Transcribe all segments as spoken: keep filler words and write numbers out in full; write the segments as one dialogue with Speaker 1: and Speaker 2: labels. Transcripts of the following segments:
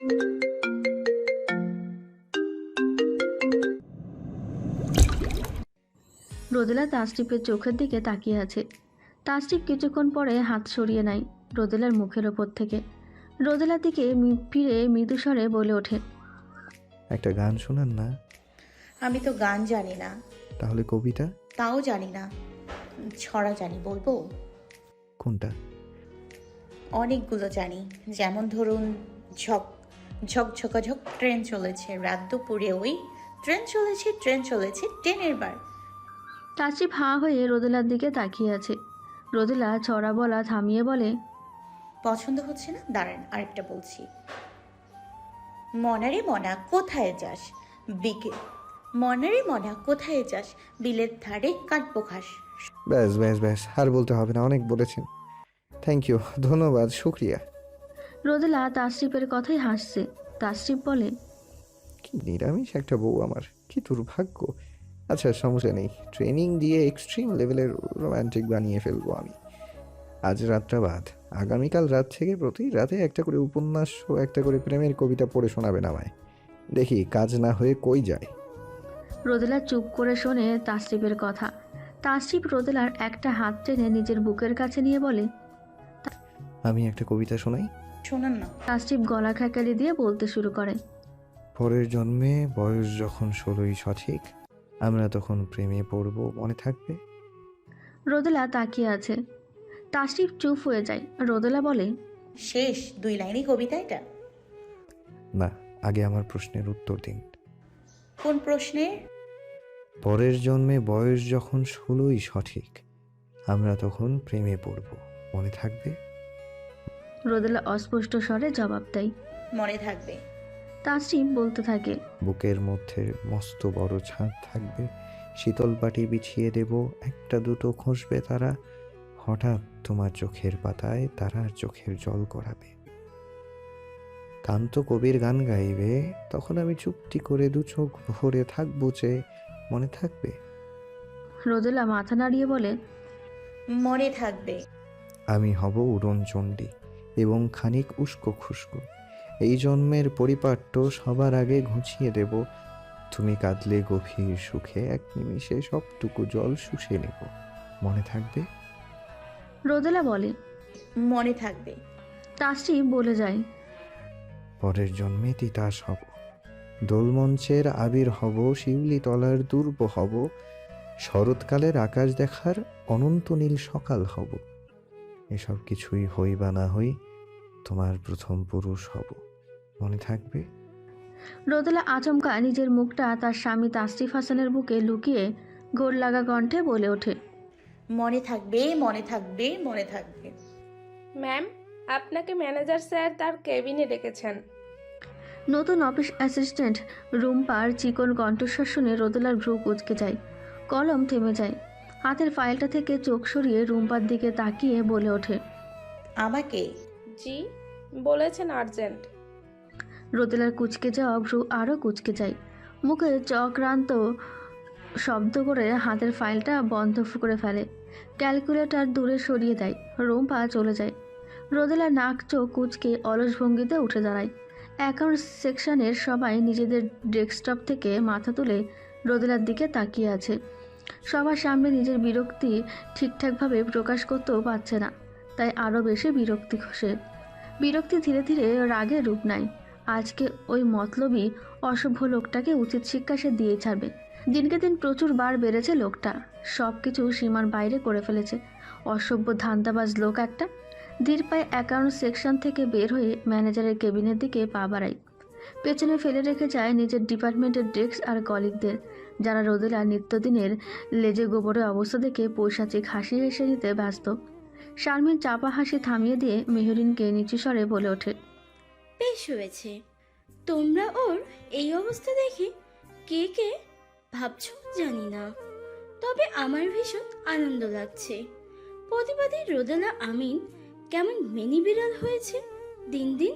Speaker 1: রোদেলা তাসটিপের চোখের দিকে তাকিয়ে আছে। তাসটিপ কিছুক্ষণ পরে হাত সরিয়ে নেয় রোদেলার মুখের ওপর থেকে। রোদেলার দিকে ফিরে মৃদুস্বরে বলে ওঠে,
Speaker 2: একটা গান শোনান না।
Speaker 3: আমি তো গান জানি না।
Speaker 2: তাহলে কবিতা?
Speaker 3: তাও জানি না। ছড়া জানি, বলবো?
Speaker 2: কোনটা?
Speaker 3: অনেকগুলো জানি। যেমন ধরুন, ঝক ঝক ঝকাঝক ট্রেন চলেছে রাত দুপুরে, ওই ট্রেন চলেছে ট্রেন চলেছে ট্রেনের বার।
Speaker 1: তাসটিপ হাঁ হয়ে রোদেলার দিকে তাকিয়ে আছে। রোদেলা ছড়া বলা থামিয়ে বলে,
Speaker 3: পছন্দ হচ্ছে না, দাঁড়ান আরেকটা বলছি। মনারে মনা কোথায় যাস বিকে মনারে মনা কোথায় যাস বিলের ধারে কাটবো ঘাস।
Speaker 2: ব্যাস ব্যাস ব্যাস, আর বলতে হবে না, অনেক বলেছেন। থ্যাংক ইউ, ধন্যবাদ, শুক্রিয়া।
Speaker 1: রোদেলা তাসটিপের কথাই হাসছে। তাসটিপ বলে,
Speaker 2: কি নিরামিষ একটা বউ আমার, কি দুর্ভাগ্য। আচ্ছা, সমস্যা নেই, ট্রেনিং দিয়ে এক্সট্রিম লেভেলের রোম্যান্টিক বানিয়ে ফেলবো আমি। আজ রাতটা বাদ, আগামীকাল রাত থেকে প্রতি রাতে একটা করে উপন্যাস ও একটা করে প্রেমের কবিতা পড়ে শোনাবেন আমায়। দেখি কাজ না হয়ে কই যায়।
Speaker 1: রোদেলা চুপ করে শোনে তাসটিপের কথা। তাসটিপ রোদেলার একটা হাত টেনে নিজের বুকের কাছে নিয়ে বলে,
Speaker 2: আমি একটা কবিতা শোনাই।
Speaker 3: শোনান না।
Speaker 1: তাসটিপ গলা খেকালি দিয়ে বলতে শুরু করে,
Speaker 2: পরের জন্মে বয়স যখন ষোলোই সঠিক, আমরা তখন প্রেমে পড়ব, মনে থাকবে।
Speaker 1: রোদেলা তাকিয়ে আছে। তাসটিপ চুপ হয়ে যায়। রোদেলা বলে,
Speaker 3: শেষ দুই লাইনই কবিতা এটা?
Speaker 2: না, আগে আমার প্রশ্নের উত্তর দিন।
Speaker 3: কোন প্রশ্নে?
Speaker 2: পরের জন্মে বয়স যখন ষোলোই সঠিক, আমরা তখন প্রেমে পড়ব, মনে থাকবে।
Speaker 1: রোদেলা অস্পষ্ট স্বরে জবাব দেয়,
Speaker 3: মনে থাকবে।
Speaker 1: তাসটিপ বলতে থাকে,
Speaker 2: বুকের মধ্যে মস্ত বড় ছাদ থাকবে, শীতল পাটি বিছিয়ে দেব, একটা দুটো খসবে তারা, হঠাৎ তোমার চোখের পাতায় তারার চোখের জল গড়াবে। কান্ত কবির গান গাইবে, তখন আমি চুপটি করে দু চোখ ভরে থাকবো যে, মনে থাকবে।
Speaker 1: রোদেলা মাথা নাড়িয়ে বলে,
Speaker 3: মনে থাকবে।
Speaker 2: আমি হব উড়নচণ্ডী এবং খানিক উস্কো খুস্কো, এই জন্মের পরিপাট্য সবার আগে ঘুচিয়ে দেব, তুমি কাঁদলে গভীর সুখে এক নিমিষে সবটুকু জল শুষে নেব, মনে থাকবে।
Speaker 1: রোদেলা বলে,
Speaker 3: মনে থাকবে।
Speaker 1: তাসটিপ বলে যায়,
Speaker 2: পরের জন্মে তিতাস হব, দোলমঞ্চের আবির হব, শিউলি তলার দুর্ব হব, শরৎকালের আকাশ দেখার অনন্ত নীল সকাল হব, এসব কিছুই হই বা না হই, তোমার প্রথম পুরুষ হব, মনে থাকবে।
Speaker 1: রোদেলা আচমকা নিজের মুখটা তার স্বামী তাসটিপ হাসানের বুকে লুকিয়ে গোল লাগা কণ্ঠে বলে ওঠে,
Speaker 3: মনে থাকবে মনে থাকবে মনে থাকবে।
Speaker 4: ম্যাম, আপনাকে ম্যানেজার স্যার তার কেবিনে ডেকেছেন।
Speaker 1: নতুন অফিস অ্যাসিস্ট্যান্ট রুম্পার চিকন কণ্ঠস্বর শুনে রোদেলার ভ্রু কুঁচকে যায়। কলম থেমে যায়। হাতের ফাইলটা থেকে চোখ সরিয়ে রুম্পার দিকে তাকিয়ে বলে ওঠে,
Speaker 3: আমাকে?
Speaker 4: জি, বলেছেন আর্জেন্ট।
Speaker 1: রোদেলার কুঁচকে যাওয়া ভ্রু আরও কুঁচকে যায়। মুখে চক্রান্ত শব্দ করে হাতের ফাইলটা বন্ধ করে ফেলে। ক্যালকুলেটর দূরে সরিয়ে দেয়। রুম্পা চলে যায়। রোদেলা নাক চোখ কুঁচকে অলস ভঙ্গিতে উঠে দাঁড়ায়। অ্যাকাউন্ট সেকশনের সবাই নিজেদের ডেস্কটপ থেকে মাথা তুলে রোদেলার দিকে তাকিয়ে আছে। সবার সামনে নিজের বিরক্তি ঠিকঠাকভাবে প্রকাশ করতেও পারছে না, তাই আরও বেশি বিরক্তি খসে। বিরক্তি ধীরে ধীরে রাগে রূপ নেয়। আজকে ওই মতলবী অসভ্য লোকটাকে উচিত শিক্ষা সে দিয়ে ছাড়বে। দিনকে দিন প্রচুর বার বেড়েছে লোকটা, সব কিছু সীমার বাইরে করে ফেলেছে। অসভ্য ধান্দাবাজ লোক একটা। ধীর পায়ে অ্যাকাউন্ট সেকশন থেকে বের হয়ে ম্যানেজারের কেবিনের দিকে পা বাড়ায়। পেছনে ফেলে রেখে যায় নিজের ডিপার্টমেন্টের ডেস্ক আর কলিগদের, যারা রোদেলা নিত্যদিনের লেজে গোবরের অবস্থা দেখে পৈশাচিক হাসি হেসে নিতে ব্যস্ত। শারমিন চাপা হাসি থামিয়ে দিয়ে মেহরিনকে নিচু স্বরে বলে ওঠে,
Speaker 5: বেশ হয়েছে। তোমরা ওর এই অবস্থা দেখে কে কে ভাবছো জানি না, তবে আমার ভীষণ আনন্দ লাগছে। প্রতিবাদী রোদেলা আমিন কেমন মিনি বিড়াল হয়েছে দিন দিন।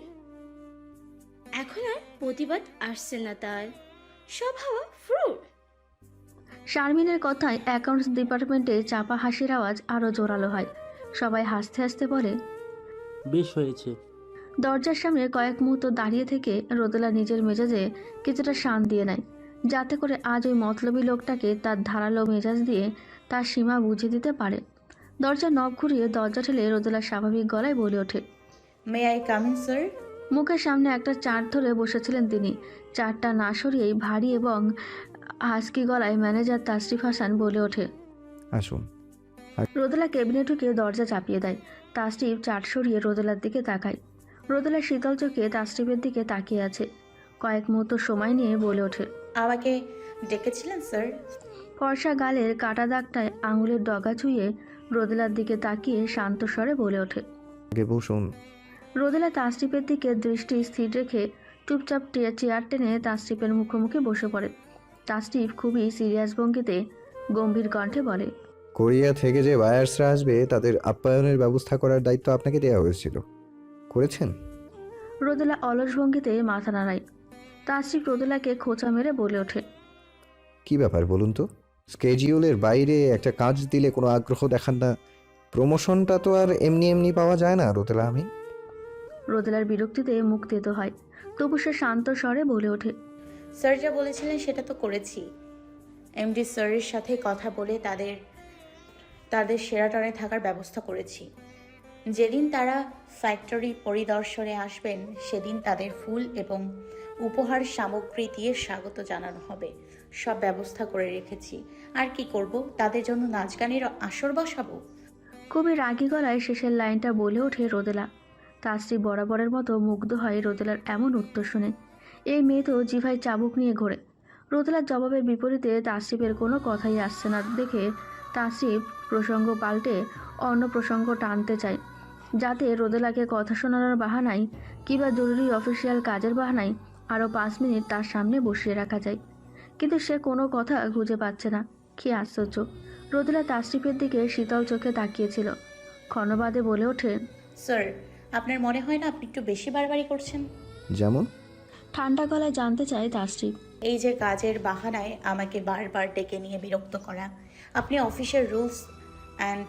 Speaker 5: এখন আর প্রতিবাদ আসছে না তার, সব হাওয়া ফ্রুট।
Speaker 1: শারমিনের কথায় অ্যাকাউন্টস ডিপার্টমেন্টে চাপা হাসির আওয়াজ আরও জোরালো হয়। সবাই হাসতে হাসতে বলে,
Speaker 6: বেশ হয়েছে।
Speaker 1: দরজার সামনে কয়েক মুহূর্ত দাঁড়িয়ে থেকে রোদেলা নিজের মেজাজে কিছুটা শান দিয়ে নেয়, যাতে করে আজ ওই মতলবী লোকটাকে তার ধারালো মেজাজ দিয়ে তার সীমা বুঝিয়ে দিতে পারে। দরজা নব ঘুরিয়ে দরজা ঠেলে রোদেলা স্বাভাবিক গলায় বলে ওঠে,
Speaker 3: may I come in sir?
Speaker 1: মুখের সামনে একটা চার ধরে বসেছিলেন তিনি। চারটা না সরিয়েই ভারী এবং হাসকি গলায় ম্যানেজার তাসরিফ হাসান বলে ওঠে,
Speaker 2: আসুন।
Speaker 1: রোদেলা কেবিনে ঢুকে দরজা চাপিয়ে দেয়। তাসরিফ চার সরিয়ে রোদেলার দিকে তাকায়। রোদেলা শীতল চোখে তাসরিফের দিকে তাকিয়ে আছে। কয়েক মুহূর্ত সময় নিয়ে বলে ওঠে,
Speaker 3: আমাকে ডেকেছিলেন স্যার?
Speaker 1: ফর্সা গালের কাটা দাগটায় আঙুলের ডগা ছুঁয়ে রোদেলার দিকে তাকিয়ে শান্ত স্বরে বলে ওঠে।
Speaker 2: আগে বসুন।
Speaker 1: রোদেলা তাসরিফের দিকে দৃষ্টি স্থির রেখে চুপচাপ টে- চেয়ার টেনে তাসরিফের মুখোমুখি বসে পড়ে। তাসরিফ খুবই সিরিয়াস ভঙ্গিতে গম্ভীর কণ্ঠে বলে,
Speaker 2: কোরিয়া থেকে যে বায়ার্সরা আসবে তাদের আপ্যায়নের ব্যবস্থা করার দায়িত্ব আপনাকে দেওয়া হয়েছিল, করেছেন?
Speaker 1: রোদেলা অলস ভঙ্গিতে মাথা নাড়ায়। তাসরিফ রোদেলাকে খোঁচা মেরে বলে ওঠে,
Speaker 2: কি ব্যাপার বলুন তো? স্কেজিউলের বাইরে একটা কাজ দিলে কোনো আগ্রহ দেখান না। প্রমোশনটা তো আর এমনি এমনি পাওয়া যায় না রোদেলা। আমি
Speaker 1: রোদেলার বিরক্তিতে মুখ তেতো হয়, তবু সে শান্ত স্বরে বলে ওঠে,
Speaker 3: স্যার যা বলেছিলেন সেটা তো করেছি। এমডি স্যারের সাথে কথা বলে তাদের তাদের সেরাটনে থাকার ব্যবস্থা করেছি। যেদিন তারা ফ্যাক্টরি পরিদর্শনে আসবেন সেদিন তাদের ফুল এবং উপহার সামগ্রী দিয়ে স্বাগত জানানো হবে। সব ব্যবস্থা করে রেখেছি। আর কি করব, তাদের জন্য নাচ গানের আসর বসাবো।
Speaker 1: খুবই রাগী গলায় শেষের লাইনটা বলে ওঠে রোদেলা। তাসরিফ বরাবরের মতো মুগ্ধ হয় রোদেলার এমন উত্তর শুনে। এই মেয়ে তো জিভায় চাবুক নিয়ে ঘোরে। রোদেলার জবাবের বিপরীতে তাসরিফের কোনো কথাই আসছে না দেখে তাসরিফ প্রসঙ্গ পাল্টে অন্য প্রসঙ্গ টানতে চায়, যাতে রোদেলাকে কথা শোনানোর বাহানায় কিংবা জরুরি অফিসিয়াল কাজের বাহানায় আরও পাঁচ মিনিট তার সামনে বসিয়ে রাখা যায়। কিন্তু সে কোনো কথা খুঁজে পাচ্ছে না। কী আশ্চর্য! রোদেলা তাসরিফের দিকে শীতল চোখে তাকিয়েছিল। ক্ষণবাদে বলে ওঠে,
Speaker 3: স্যার, আপনার মনে হয় না আপনি একটু বেশি বাড়াবাড়ি করছেন?
Speaker 2: যেমন?
Speaker 1: ঠান্ডা গলায় জানতে চায় তাসরিফ।
Speaker 3: এই যে কাজের বাহানায় আমাকে বারবার ডেকে নিয়ে বিরক্ত করা, আপনি অফিসের রুলস অ্যান্ড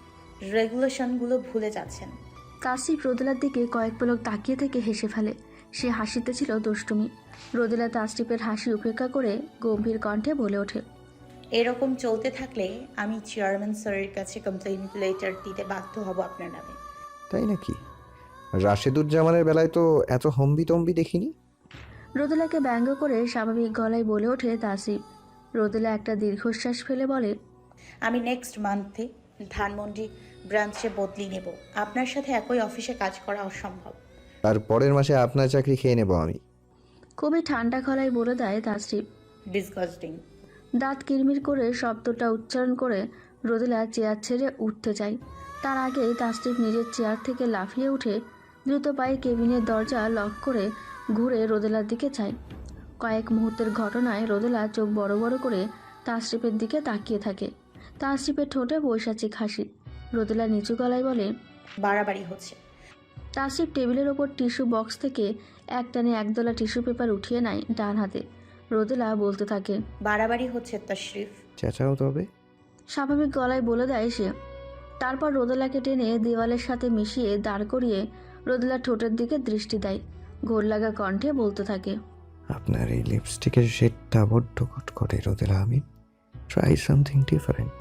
Speaker 3: রেগুলেশনগুলো ভুলে যাচ্ছেন।
Speaker 1: তাসরিফ রোদেলার দিকে কয়েক পলক তাকিয়ে থেকে হেসে ফেলে। সে হাসিতে ছিল দুষ্টুমি। রোদেলা তাসরিফের হাসি উপেক্ষা করে গম্ভীর কণ্ঠে বলে ওঠে,
Speaker 3: এরকম চলতে থাকলে আমি চেয়ারম্যান স্যারের কাছে কমপ্লেইন লেটার দিতে বাধ্য হব আপনার নামে।
Speaker 2: তাই নাকি? রাশেদুজ্জামানের বেলায় তো এত হম্বি তম্বি দেখিনি।
Speaker 1: রোদেলাকে ব্যঙ্গ করে স্বাভাবিক গলায় বলে ওঠে তাসরিফ। রোদেলা একটা দীর্ঘশ্বাস ফেলে বলে,
Speaker 3: আমি নেক্সট মান্থে ধানমন্ডি ব্রাঞ্চে বদলি নেব। আপনার সাথে একই অফিসে কাজ করা অসম্ভব।
Speaker 2: আর পরের মাসে আপনার চাকরি খেয়ে নেব আমি।
Speaker 1: খুবই ঠান্ডা গলায় বলে দেয় তাসরিফ।
Speaker 3: ডিসগাস্টিং।
Speaker 1: দাঁত কিরমির করে শব্দটা উচ্চারণ করে রোদেলা চেয়ার ছেড়ে উঠতে চায়। তার আগেই তাসরিফ নিজের চেয়ার থেকে লাফিয়ে উঠে দ্রুত পায়ে কেবিনের দরজা লক করে ঘুরে রোদেলার দিকে চায়। কয়েক মুহূর্তের ঘটনায় রোদেলা চোখ বড় বড় করে তাসরিফের দিকে তাকিয়ে থাকে। তাসরিফের ঠোঁটে বৈশাচিক হাসি। রোদেলা নিচু গলায় বলে,
Speaker 3: বাড়াবাড়ি হচ্ছে।
Speaker 1: তাসরিফ টেবিলের ওপর টিস্যু বক্স থেকে একটানে একদলা টিস্যু পেপার উঠিয়ে নেয় ডান হাতে। রোদেলা বলতে থাকে,
Speaker 3: বাড়াবাড়ি হচ্ছে তাশরিফ।
Speaker 2: চেঁচাও তবে।
Speaker 1: স্বাভাবিক গলায় বলে দেয় সে। তারপর রোদেলাকে টেনে দেওয়ালের সাথে মিশিয়ে দাঁড় করিয়ে রোদেলার ঠোঁটের দিকে দৃষ্টি দেয়। ঘোর লাগা কণ্ঠে বলতে থাকে,
Speaker 2: আপনার এই লিপস্টিকের শেডটা বড্ড কটকটে রোদেলা। আমি try something different,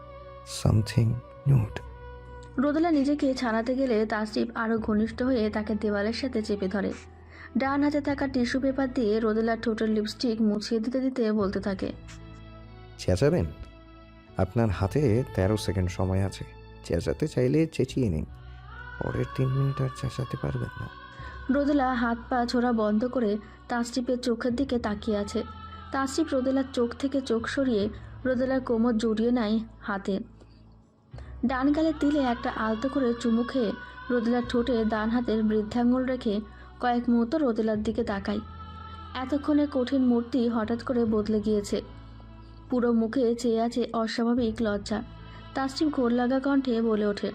Speaker 2: something nude.
Speaker 1: Rodela নিজেকে ছাড়াতে গেলে তাসরিফ আরও ঘনিষ্ঠ হয়ে তাকে দেওয়ালের সাথে চেপে ধরে। ডান হাতে থাকা টিস্যু পেপার দিয়ে রোদেলার ঠোঁটের লিপস্টিক মুছিয়ে দিতে দিতে বলতে থাকে,
Speaker 2: চেঁচাবেন? আপনার হাতে তেরো সেকেন্ড সময় আছে। চেঁচাতে চাইলে চেঁচিয়ে নিন, পরের তিন মিনিট আর চেঁচাতে পারবেন না।
Speaker 1: রোদেলা হাত পা ছোড়া বন্ধ করে তাসরিফের চোখের দিকে তাকিয়ে আছে। তাসরিফ রোদেলার চোখ থেকে চোখ সরিয়ে রোদেলার কোমর জড়িয়ে নেয় হাতে। ডান গালে তিলে একটা আলতো করে চুমু খেয়ে রোদেলার ঠোঁটে ডান হাতের বৃদ্ধাঙ্গুল রেখে কয়েক মুহূর্ত রোদেলার দিকে তাকায়। এতক্ষণে কঠিন মূর্তি হঠাৎ করে বদলে গিয়েছে। পুরো মুখে চেয়ে আছে অস্বাভাবিক লজ্জা। তাসরিফ ঘোর লাগা কণ্ঠে বলে ওঠে,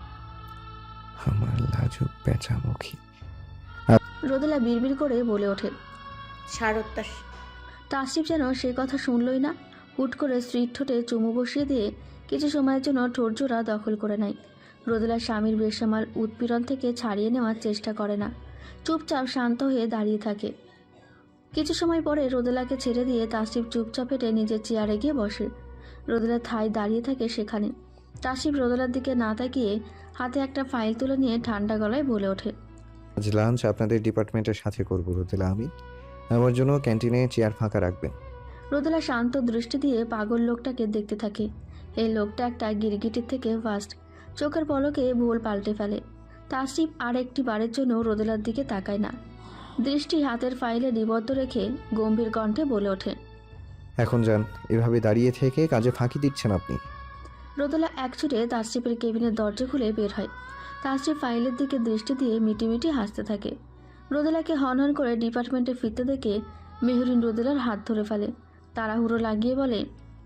Speaker 2: আমার লাজুক পেঁচামুখী।
Speaker 1: রোদেলা বিড়বিড় করে বলে ওঠে।
Speaker 3: ছাড়ত্যাস।
Speaker 1: তাসরিফ যেন সে কথা শুনলই না। হুট করে স্ত্রীর ঠোঁটে চুমু বসিয়ে দিয়ে কিছু সময়ের জন্য ঠোঁটজোড়া দখল করে নেয়। রোদেলা স্বামীর বেসামাল উৎপীড়ন থেকে ছাড়িয়ে নেওয়ার চেষ্টা করে না, চুপচাপ শান্ত হয়ে দাঁড়িয়ে থাকে। কিছু সময় পরে রোদেলাকে ছেড়ে দিয়ে তাসরিফ চুপচাপ হেঁটে নিজের চেয়ারে গিয়ে বসে। রোদেলা ঠায় দাঁড়িয়ে থাকে সেখানে। তাসরিফ রোদেলার দিকে না তাকিয়ে হাতে একটা ফাইল তুলে নিয়ে ঠান্ডা গলায় বলে ওঠে,
Speaker 2: আজ লাঞ্চ আপনাদের ডিপার্টমেন্টের সাথে করবো রোদেলা আমি। আমার জন্য ক্যান্টিনে চেয়ার ফাঁকা রাখবেন।
Speaker 1: রোদেলা শান্ত দৃষ্টি দিয়ে পাগল লোকটাকে দেখতে থাকে। এই লোকটা একটা গিরগিটির থেকে ফাস্ট, চোখের পলকে ভুল পাল্টে ফেলে। তাসরিফ আর একটি বারের জন্য রোদেলার দিকে তাকায় না, দৃষ্টি হাতের ফাইলে নিবদ্ধ রেখে গম্ভীর কণ্ঠে বলে ওঠে,
Speaker 2: এখন যান, এভাবে দাঁড়িয়ে থেকে কাজে ফাঁকি দিচ্ছেন আপনি।
Speaker 1: রোদেলা এক ছুটে তাসরিফের কেবিনের দরজা খুলে বের হয়। তাসরিফ ফাইলের দিকে দৃষ্টি দিয়ে মিটিমিটি হাসতে থাকে। রোদেলাকে হনহন করে ডিপার্টমেন্টে ফিরতে দেখে মেহরিন রোদেলার হাত ধরে ফেলে, তাড়াহুড়ো লাগিয়ে বলে,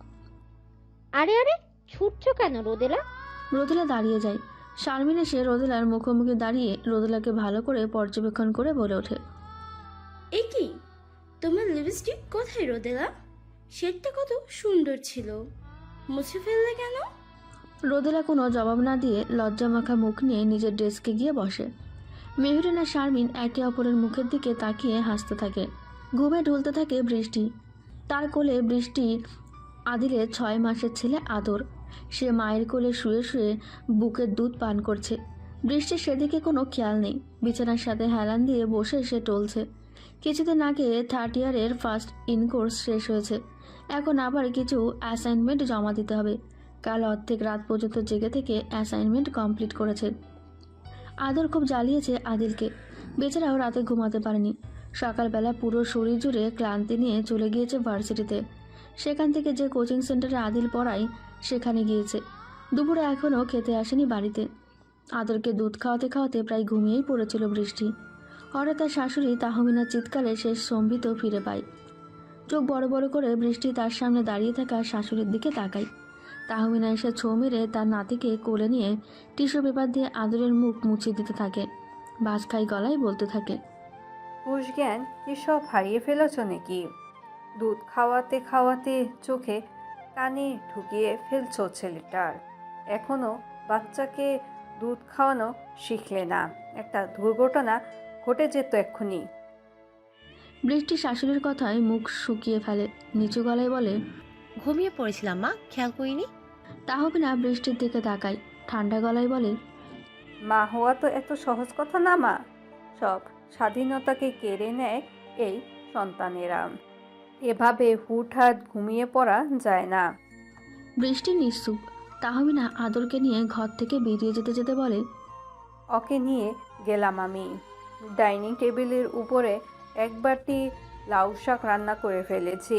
Speaker 6: আরে আরে ছুটছো কেন রোদেলা?
Speaker 1: রোদেলা দাঁড়িয়ে যায়। শারমিন এসে রোদেলার মুখোমুখি দাঁড়িয়ে রোদেলাকে ভালো করে পর্যবেক্ষণ করে বলে ওঠে,
Speaker 5: এ কি, তোমার লিপস্টিক কোথায় রোদেলা? শেডটা কত সুন্দর ছিল, মুছে ফেললে কেন?
Speaker 1: রোদেলা কোনো জবাব না দিয়ে লজ্জামাখা মুখ নিয়ে নিজের ডেস্কে গিয়ে বসে। মেহরিন আর শারমিন একে অপরের মুখের দিকে তাকিয়ে হাসতে থাকে। ঘুমে ঢুলতে থাকে বৃষ্টি। তার কোলে বৃষ্টি আদিলের ছয় মাসের ছেলে আদর। সে মায়ের কোলে শুয়ে শুয়ে বুকের দুধ পান করছে। বৃষ্টির সেদিকে কোনো খেয়াল নেই। বিছানার সাথে হেলান দিয়ে বসে সে টলছে। কিছুদিন আগে থার্ড ইয়ারের ফার্স্ট ইনকোর্স শেষ হয়েছে। এখন আবার কিছু অ্যাসাইনমেন্ট জমা দিতে হবে। কাল অর্ধেক রাত পর্যন্ত জেগে থেকে অ্যাসাইনমেন্ট কমপ্লিট করেছে। আদর খুব জ্বালিয়েছে আদিলকে। বেচারাও রাতে ঘুমাতে পারেনি। সকালবেলা পুরো শরীর জুড়ে ক্লান্তি নিয়ে চলে গিয়েছে ভার্সিটিতে। সেখান থেকে যে কোচিং সেন্টারে আদিল পড়ায় সেখানে গিয়েছে। দুপুরে এখনও খেতে আসেনি বাড়িতে। আদরকে দুধ খাওয়াতে খাওয়াতে প্রায় ঘুমিয়েই পড়েছিল বৃষ্টি। হঠাৎ তার শাশুড়ি তাহমিনার চিৎকারে সে সম্বিত ফিরে পায়। চোখ বড় বড় করে বৃষ্টি তার সামনে দাঁড়িয়ে থাকা শাশুড়ির দিকে তাকায়। তাহমিনা এসে ছো মেরে তার নাতিকে কোলে নিয়ে টিস্যু পেপার দিয়ে আদরের মুখ মুছে দিতে থাকে। বাজ খাই গলায় বলতে থাকে,
Speaker 7: হুশ জ্ঞান কি সব হারিয়ে ফেলেছ নাকি? দুধ খাওয়াতে খাওয়াতে চোখে কানে ঢুকিয়ে ফেলছো ছেলেটার। এখনো বাচ্চাকে দুধ খাওয়ানো শিখলে না, একটা দুর্ঘটনা ঘটে যেত এক্ষুনি।
Speaker 1: বৃষ্টি শাশুড়ির কথায় মুখ শুকিয়ে ফেলে। নিচু গলায় বলে,
Speaker 8: ঘুমিয়ে পড়েছিলাম মা, খেয়াল করিনি।
Speaker 1: তাহমিনা বৃষ্টির দিকে তাকায়। ঠান্ডা গলায় বলে,
Speaker 7: মা হওয়া তো এত সহজ কথা না মা। সব স্বাধীনতাকে কেড়ে নেয় এই সন্তানেরা। এভাবে হুটহাট ঘুমিয়ে পড়া যায় না।
Speaker 1: বৃষ্টি নিশ্চুপ। তাহমিনা আদরকে নিয়ে ঘর থেকে বেরিয়ে যেতে যেতে বলে,
Speaker 7: ওকে নিয়ে গেলাম আমি। ডাইনিং টেবিলের উপরে এক বাটি লাউ শাক রান্না করে ফেলেছি,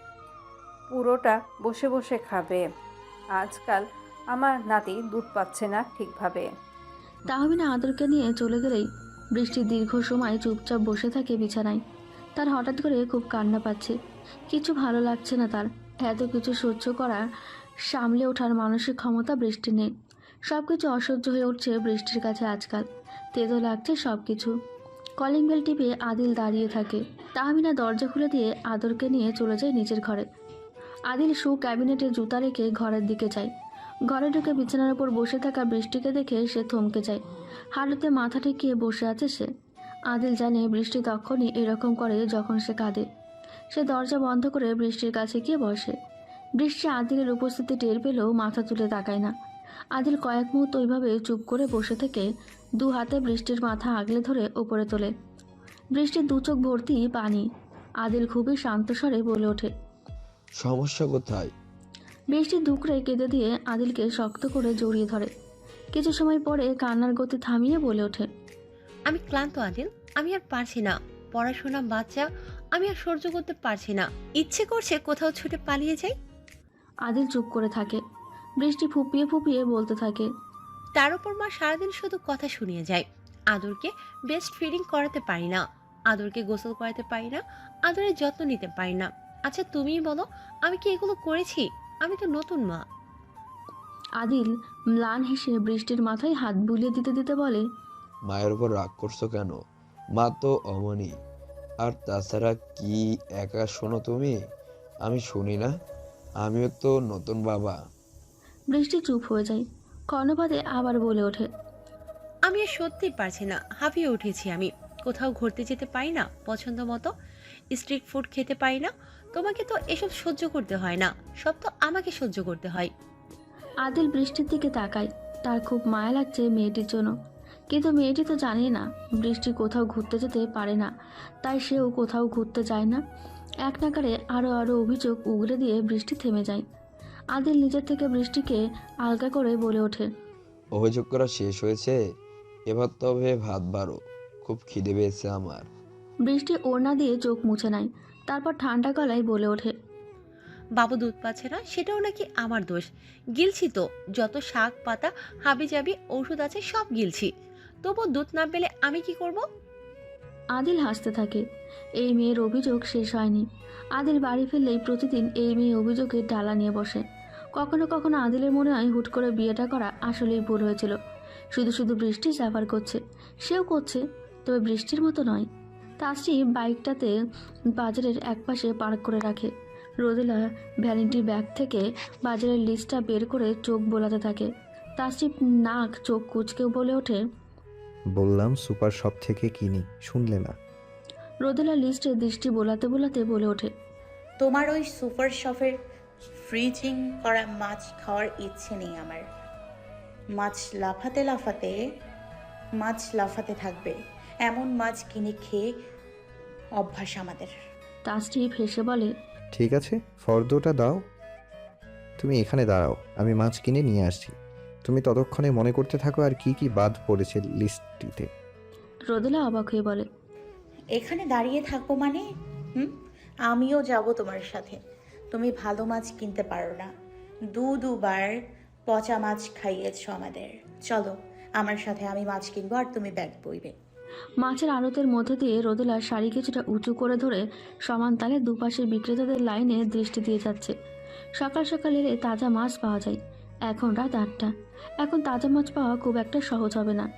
Speaker 7: পুরোটা বসে বসে খাবে। আজকাল আমার নাতি দুধ পাচ্ছে না ঠিকভাবে।
Speaker 1: তাহমিনা আদরকে নিয়ে চলে গেলেই বৃষ্টি দীর্ঘ সময় চুপচাপ বসে থাকে বিছানায়। তার হঠাৎ করে খুব কান্না পাচ্ছে। কিছু ভালো লাগছে না তার। এত কিছু সহ্য করা, সামলে ওঠার মানসিক ক্ষমতা বৃষ্টি নেই। সব কিছু অসহ্য হয়ে উঠছে বৃষ্টির কাছে আজকাল। তেতো লাগছে সব কিছু। কলিং বেল টিপে আদিল দাঁড়িয়ে থাকে। তাহমিনা দরজা খুলে দিয়ে আদরকে নিয়ে চলে যায় নিচের ঘরে। আদিল শু ক্যাবিনেটে জুতা রেখে ঘরের দিকে যায়। ঘরে ঢুকে বিছানার উপর বসে থাকা বৃষ্টিকে দেখে সে থমকে যায়। হাঁটুতে মাথা ঠেকিয়ে বসে আছে সে। আদিল জানে বৃষ্টি তখনই এরকম করে যখন সে কাঁদে। সে দরজা বন্ধ করে বৃষ্টির কাছে গিয়ে বসে। বৃষ্টি আদিলের উপস্থিতি টের পেলেও মাথা তুলে তাকায় না। আদিল কয়েক মুহূর্ত ওইভাবে চুপ করে বসে থেকে দু হাতে বৃষ্টির মাথা আগলে ধরে ওপরে তোলে। বৃষ্টির দু চোখ ভর্তি পানি। আদিল খুবই শান্ত স্বরে বলে ওঠে,
Speaker 9: সমস্যা কোথায়?
Speaker 1: বৃষ্টি দুকড়ে কেঁদে দিয়ে আদিলকে শক্ত করে জড়িয়ে ধরে। কিছু সময় পরে কান্নার গতি থামিয়ে বলে ওঠে,
Speaker 8: আমি ক্লান্ত আদিল, আমি আর পারছি না। পড়াশোনা বাচ্চা, আমি আর সহ্য করতে পারছি না। ইচ্ছে করছে কোথাও ছুটে পালিয়ে যাই।
Speaker 1: আদিল চুপ করে থাকে। বৃষ্টি ফুপিয়ে ফুপিয়ে বলতে থাকে,
Speaker 8: তার উপর মা সারাদিন শুধু কথা শুনিয়ে যায়। আদরকে বেস্ট ফিডিং করাতে পারি না, আদরকে গোসল করাতে পারি না, আদরের যত্ন নিতে পারি না। আচ্ছা তুমিই বলো, আমি কি এগুলো করেছি? আমি তো নতুন মা।
Speaker 1: আদিল ম্লান হেসে বৃষ্টির মাথায় হাত বুলিয়ে দিতে দিতে বলে,
Speaker 9: মায়ের উপর রাগ করছো কেন? মা তো অমনি। আর তাছাড়া কি একা শোনো তুমি? আমি শুনি না? আমিও তো নতুন বাবা।
Speaker 1: বৃষ্টি চুপ হয়ে যায়। কর্ণপাতে আবার বলে ওঠে।
Speaker 8: আমি আর সত্যি পারছি না, হাঁপিয়ে উঠেছি আমি। কোথাও ঘুরতে যেতে পারি না পছন্দ মতো, স্ট্রিট ফুড খেতে পারি না। তোমাকে তো এসব সহ্য করতে হয় না, সব তো আমাকে সহ্য করতে হয়।
Speaker 1: আদিল বৃষ্টির দিকে তাকায়। তার খুব মায়া লাগছে মেয়েটির জন্য, কিন্তু মেয়েটি তো জানে না বৃষ্টি কোথাও ঘুরতে যেতে পারে না, তাই সেও কোথাও ঘুরতে যায় না। এক নাগারে আরও আরও অভিযোগ উগরে দিয়ে বৃষ্টি থেমে যায়। আদিল নিজের থেকে বৃষ্টিকে আলগা করে বলে ওঠে।
Speaker 9: অভিযোগ করা শেষ হয়েছে? এবার তবে ভাত বাড়ো, খুব খিদে পেয়েছে আমার।
Speaker 1: বৃষ্টি ওড়না দিয়ে চোখ মুছে নেয়, তারপর ঠান্ডা গলায় বলে ওঠে।
Speaker 8: বাবু দুধ পাচ্ছে না, সেটাও নাকি আমার দোষ? গিলছি তো, যত শাক পাতা হাবি জাবি ওষুধ আছে সব গিলছি, তবু দুধ না পেলে আমি কি করব?
Speaker 1: আদিল হাসতে থাকে। এই মেয়ের অভিযোগ শেষ হয়নি। আদিল বাড়ি ফিরলেই প্রতিদিন এই মেয়ে অভিযোগের ডালা নিয়ে বসে। কখনো কখনো আদিলের মনে হয় হুট করে বিয়েটা করা আসলেই ভুল হয়েছিল। শুধু শুধু বৃষ্টি সাফার করছে, সেও করছে, তবে বৃষ্টির মতো নয়। তাসরি বাইকটাতে বাজারের একপাশে পার্ক করে রাখে। রোদেলা ভ্যানিটি ব্যাগ থেকে বাজারের লিস্টটা বের করে চোখ বোলাতে থাকে। তাসরি নাক চোখ কুচকেও বলে ওঠে।
Speaker 2: বললাম সুপার শপ থেকে কিনি, শুনলে না?
Speaker 1: রোদেলা লিস্টে দৃষ্টি বোলাতে বোলাতে বলে ওঠে।
Speaker 3: তোমার ওই সুপার শপের ফ্রিজিং করা মাছ খাওয়ার ইচ্ছে নেই আমার। মাছ লাফাতে লাফাতে মাছ লাফাতে থাকবে, এমন মাছ কিনে খেয়ে অভ্যাস আমাদের।
Speaker 1: তাসরি হেসে বলে।
Speaker 2: ঠিক আছে, ফর্দটা দাও। তুমি এখানে দাঁড়াও, আমি মাছ কিনে নিয়ে আসছি। তুমি ততক্ষণে মনে করতে থাকো আর কি কি বাদ পড়েছে লিস্টটিতে।
Speaker 1: রোদেলা অবাক হয়ে বলে।
Speaker 3: এখানে দাঁড়িয়ে থাকবো মানে? হুম, আমিও যাব তোমার সাথে। তুমি ভালো মাছ কিনতে পারো না, দু দুবার পচা মাছ খাইয়েছো আমাদের। চলো আমার সাথে, আমি মাছ কিনবো আর তুমি ব্যাগ বইবে।
Speaker 1: মাছের আড়তের মধ্যে দিয়ে রোদেলার শাড়ি কিছুটা উঁচু করে ধরে সমান তালে দুপাশে বিক্রেতাদের লাইনে দৃষ্টি দিয়ে যাচ্ছে। সকাল সকাল এলে তাজা মাছ পাওয়া যায়। এখন রাত আটটা, এখন তাজা মাছ পাওয়া খুব একটা সহজ হবে না।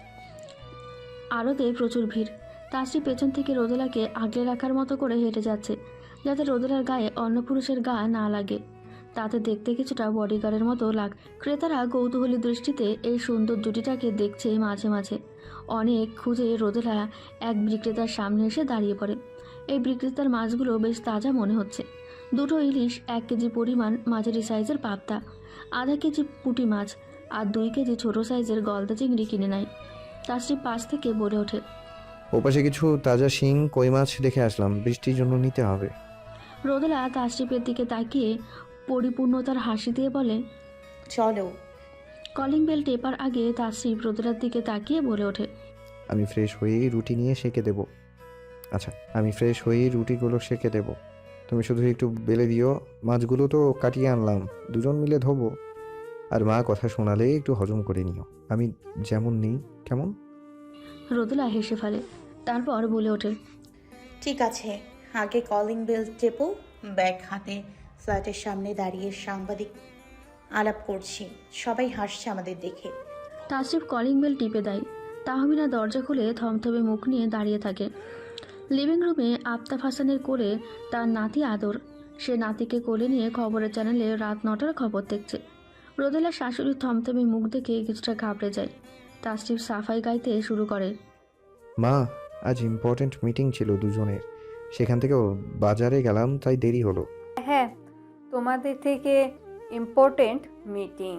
Speaker 1: আড়তে প্রচুর ভিড়। তাসরি পেছন থেকে রোদেলাকে আগলে রাখার মতো করে হেঁটে যাচ্ছে, যাতে রোদেলার গায়ে অন্য পুরুষের গা না লাগে। তাতে দেখতে কিছুটা বডিগার্ডের মতো লাগ। ক্রেতারা কৌতূহলী দৃষ্টিতে এই সুন্দর জুটিটাকে দেখছে মাঝে মাঝে। অনেক খুঁজে রোদেলা এক বিক্রেতার সামনে এসে দাঁড়িয়ে পড়ে। এই বিক্রেতার মাছগুলো বেশ তাজা মনে হচ্ছে। দুটো ইলিশ, এক কেজি পরিমাণ মাঝারি সাইজের পাবদা, আধা কেজি পুঁটি মাছ আর দুই কেজি ছোট সাইজের গলদা চিংড়ি কিনে নেয়। তাসরি পাশ থেকে বলে ওঠে।
Speaker 2: ওপাশে কিছু তাজা শিং কই মাছ দেখে আসলাম, বৃষ্টির জন্য নিতে হবে।
Speaker 1: রোদেলা তাসরিফের দিকে তাকিয়ে পরিপূর্ণতার হাসি দিয়ে বলে।
Speaker 3: চলো।
Speaker 1: কলিং বেল টেপার আগে তাসরিফ রোদেলার দিকে তাকিয়ে বলে ওঠে।
Speaker 2: আমি ফ্রেশ হয়েই রুটি নিয়ে সেঁকে দেবো। আচ্ছা, আমি ফ্রেশ হয়েই রুটিগুলো সেঁকে দেবো, তুমি শুধু একটু বেলে দিও। মাছগুলো তো কাটিয়ে আনলাম, দুজন মিলে ধোবো। আর মা কথা শোনালে একটু হজম করে নিও, আমি যেমন নেই কেমন।
Speaker 1: রোদেলা হেসে ফেলে, তারপর বলে ওঠে।
Speaker 3: ঠিক আছে, আগে কলিং বেল টেপো। ব্যাগ হাতে ফ্ল্যাটের সামনে দাঁড়িয়ে সাংবাদিক আলাপ করছি, সবাই হাসছে আমাদের দেখে।
Speaker 1: তাসরিফ কলিং বেল টিপে দেয়। তাহমিনা দরজা খুলে থমথমে মুখ নিয়ে দাঁড়িয়ে থাকে। লিভিং রুমে আফতাব হাসানের কোলে তার নাতি আদর। সে নাতিকে কোলে নিয়ে খবরের চ্যানেলে রাত নটার খবর দেখছে। রোদেলার শাশুড়ির থমথমে মুখ দেখে কিছুটা ঘাবড়ে যায়। তাসরিফ সাফাই গাইতে শুরু করে।
Speaker 2: মা, আজ ইম্পর্ট্যান্ট মিটিং ছিল দুজনের, সেখান থেকে বাজারে গেলাম, তাই দেরি হলো।
Speaker 7: হ্যাঁ, তোমাদের থেকে ইম্পর্টেন্ট মিটিং,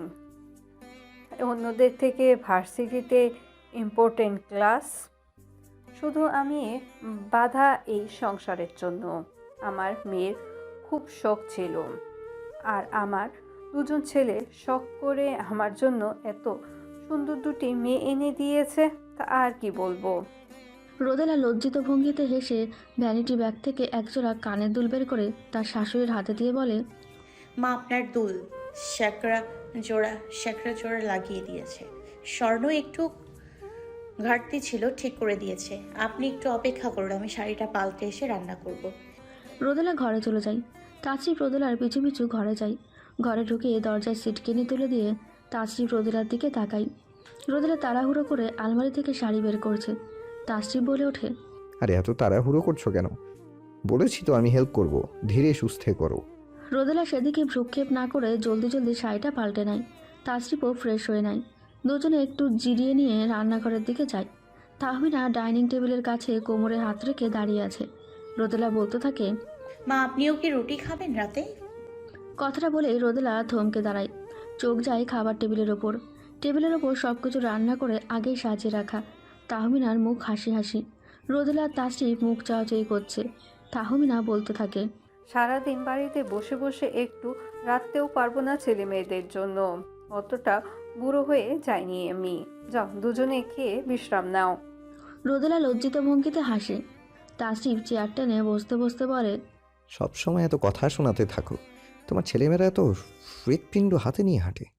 Speaker 7: অন্যদের থেকে ভার্সিটিতে ইম্পর্টেন্ট ক্লাস। শুধু আমি বাধা এই সংসারের জন্য। আমার মেয়ের খুব শখ ছিল, আর আমার দুজন ছেলে শখ করে আমার জন্য এত সুন্দর দুটি মেয়ে এনে দিয়েছে, তা আর কি বলবো।
Speaker 1: রোদেলা লজ্জিত ভঙ্গিতে হেসে ভ্যানিটি ব্যাগ থেকে একজোড়া কানের দুল বের করে তার শাশুড়ির হাতে দিয়ে বলে।
Speaker 3: মা, আপনার দুল শ্যাকরা জোড়া শ্যাকরা জোড়া লাগিয়ে দিয়েছে। স্বর্ণ একটু ঘাটতি ছিল, ঠিক করে দিয়েছে। আপনি একটু অপেক্ষা করুন, আমি শাড়িটা পাল্টে এসে রান্না করব।
Speaker 1: রোদেলা ঘরে চলে যায়। তাসরিফ রোদেলার পিছু পিছু ঘরে যায়। ঘরে ঢুকে দরজায় সিটকেনি তুলে দিয়ে তাসরিফ রোদেলার দিকে তাকায়। রোদেলা তাড়াহুড়ো করে আলমারি থেকে শাড়ি বের করছে। তাসরিফ বলে ওঠে।
Speaker 2: আরে এত তাড়াহুড়ো করছো কেন? বলেছি তো আমি হেল্প করব, ধীরে সুস্থে করো।
Speaker 1: রোদেলা সেদিকে ভ্রুক্ষেপ না করে জলদি জলদি শাড়িটা পাল্টে নেয়। তাসরিফও ফ্রেশ হয়ে নেয়। দুজনে একটু জিরিয়ে নিয়ে রান্নাঘরের দিকে যায়। তাহমিনা ডাইনিং টেবিলের কাছে কোমরে হাত রেখে দাঁড়িয়ে আছে। রোদেলা বলতে থাকে,
Speaker 3: মা আপনিও কি রুটি খাবেন রাতে?
Speaker 1: কথাটা বলেই রোদেলা থমকে দাঁড়ায়। চোখ যায় খাবার টেবিলের ওপর। টেবিলের ওপর সব কিছু রান্না করে আগেই সাজিয়ে রাখা। তাহমিনার মুখ হাসি হাসি। রোদেলা তাসরিফ মুখ চাওয়াচাই করছে। তাহমিনা বলতে থাকে,
Speaker 7: সারাদিন বাড়িতে বসে বসে একটু রাখতেও পারবো না ছেলে মেয়েদের জন্য। অতটা বুড়ো হয়ে যায়নি আমি। যাও দুজনে খেয়ে বিশ্রাম নাও।
Speaker 1: রোদেলা লজ্জিত ভঙ্গিতে হাসে। তাসরিফ চেয়ার টেনে বসতে বসতে বলে,
Speaker 2: সব সময় এত কথা শোনাতে থাকো, তোমার ছেলেমেয়েরা এত হৃৎপিণ্ড হাতে নিয়ে হাঁটে।